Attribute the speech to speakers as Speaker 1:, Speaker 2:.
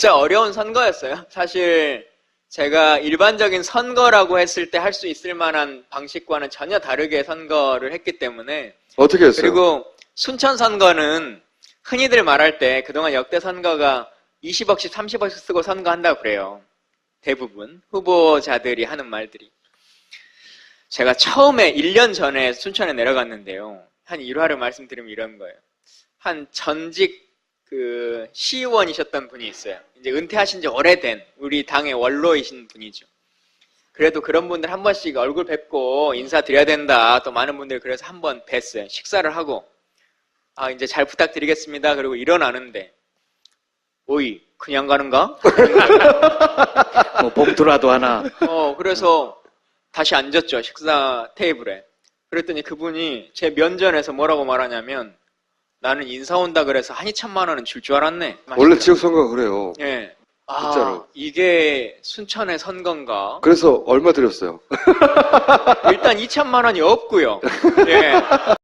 Speaker 1: 진짜 어려운 선거였어요. 사실 제가 일반적인 선거라고 했을 때 할 수 있을 만한 방식과는 전혀 다르게 선거를 했기 때문에.
Speaker 2: 어떻게 했어요?
Speaker 1: 그리고 순천 선거는 흔히들 말할 때 그동안 역대 선거가 20억씩 30억씩 쓰고 선거한다고 그래요. 대부분 후보자들이 하는 말들이. 제가 처음에 1년 전에 순천에 내려갔는데요. 한 일화를 말씀드리면 이런 거예요. 한 전직 시의원이셨던 분이 있어요. 이제 은퇴하신 지 오래된 우리 당의 원로이신 분이죠. 그래도 그런 분들 한 번씩 얼굴 뵙고 인사드려야 된다. 또 많은 분들이 그래서 한 번 뵀어요. 식사를 하고 이제 잘 부탁드리겠습니다. 그리고 일어나는데 오이 그냥 가는가?
Speaker 3: 뭐 봉투라도 하나.
Speaker 1: 그래서 다시 앉았죠. 식사 테이블에. 그랬더니 그분이 제 면전에서 뭐라고 말하냐면 나는 인사 온다 그래서 한 2천만 원은 줄 줄 알았네.
Speaker 2: 원래 지역 선거가 그래요.
Speaker 1: 예.
Speaker 2: 진짜로.
Speaker 1: 이게 순천의 선거인가?
Speaker 2: 그래서 얼마 드렸어요?
Speaker 1: 일단 2천만 원이 없고요. 예.